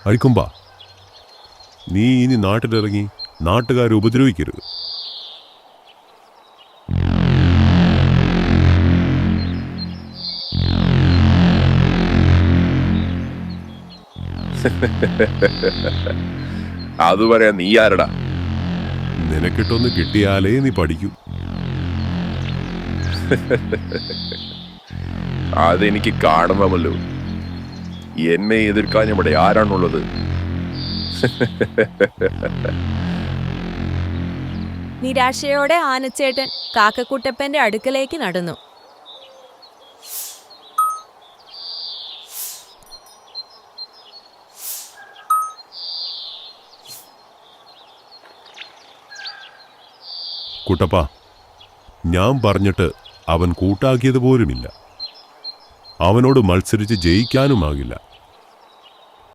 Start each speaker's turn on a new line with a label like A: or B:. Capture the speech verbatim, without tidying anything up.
A: അരിക്കൊമ്പ, നീ ഇനി നാട്ടിലിറങ്ങി നാട്ടുകാരെ ഉപദ്രവിക്കരുത്.
B: അത് പറയാ നീ ആരടാ?
A: നിനക്കിട്ടൊന്ന് കിട്ടിയാലേ നീ പഠിക്കൂ.
B: അതെനിക്ക് കാണണമല്ലോ. എന്നെ എതിർക്കാൻ ഇവിടെ ആരാണുള്ളത്?
C: നിരാശയോടെ ആനച്ചേട്ടൻ കാക്കക്കുട്ടപ്പന്റെ അടുക്കലേക്ക് നടന്നു.
A: കുട്ടപ്പ, ഞാൻ പറഞ്ഞിട്ട് അവൻ കൂട്ടാക്കിയത് പോലുമില്ല. അവനോട് മത്സരിച്ച് ജയിക്കാനുമാകില്ല.